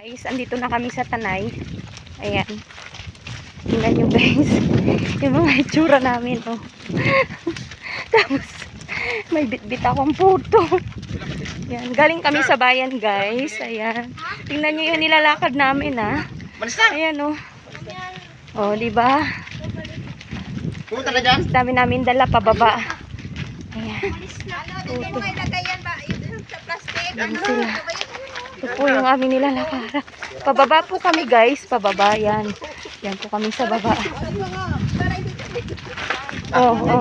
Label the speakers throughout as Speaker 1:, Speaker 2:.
Speaker 1: Guys, andito na kami sa Tanay. Ayan. Tingnan nyo guys. Yung mga itsura namin. Oh. Tapos, may bitbit akong puto. Ayan. Galing kami sa bayan guys. Ayan. Tingnan nyo yung nilalakad namin ha. Ayan oh. Oh, diba?
Speaker 2: Pumunta na dyan?
Speaker 1: Dami namin dala pababa. Ayan.
Speaker 3: Dito mo ilagay yan ba? Yung sa plastic.
Speaker 1: Ayan sila. Ito po yung aming nilalakad. Pababa po kami guys. Pababa. Yan. Yan po kami sa baba. Oh, oh.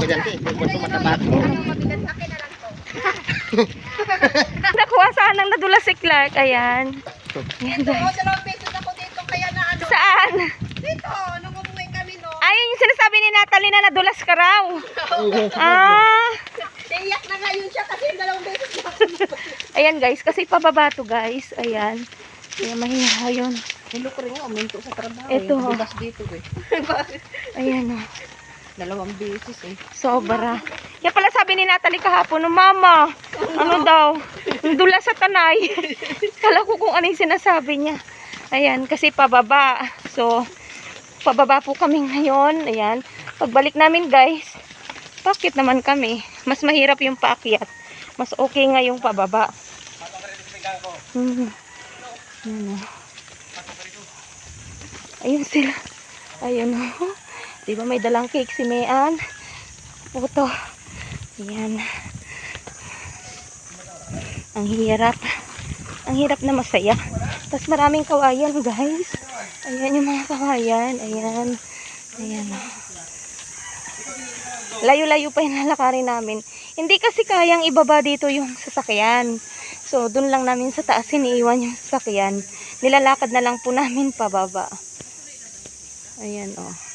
Speaker 1: Nakuha saan ang nadulas si Clark. Ayan. Ayan guys.
Speaker 3: Dalawang pesos ako dito kaya na ano.
Speaker 1: Saan?
Speaker 3: Dito, nung umuwi kami no.
Speaker 1: Ayun yung sinasabi ni Natalie na nadulas ka raw. Ah.
Speaker 3: Iyak na nga yun siya kasi yung dalawang beses na.
Speaker 1: Ayan guys. Kasi pababa to guys. Ayan. Kaya mahihaw yun.
Speaker 3: Hello ko rin nga, uminto sa trabaho.
Speaker 1: Ito.
Speaker 3: Bulas dito eh.
Speaker 1: Ayan o.
Speaker 3: Dalawang beses eh.
Speaker 1: Sobra. Kaya pala sabi ni Natalie kahapon, no, Mama, ano daw, dula sa Tanay. Kala ko kung ano yung sinasabi niya. Ayan, kasi pababa. So, pababa po kami ngayon. Ayan. Pagbalik namin guys, bakit naman kami? Mas mahirap yung paakyat. Mas okay nga yung pababa. Ayan o. Ayun sila. Ayun o. Diba may dalang cake si Mayan? Puto. Ayan. Ang hirap. Ang hirap na masaya. Tapos maraming kawayan guys. Ayan yung mga kawayan. Ayan. Ayan o. Layo-layo pa yung lalakarin namin. Hindi kasi kayang ibaba dito yung sasakyan. So, dun lang namin sa taas iniiwan yung sasakyan. Nilalakad na lang po namin pababa. Ayan o.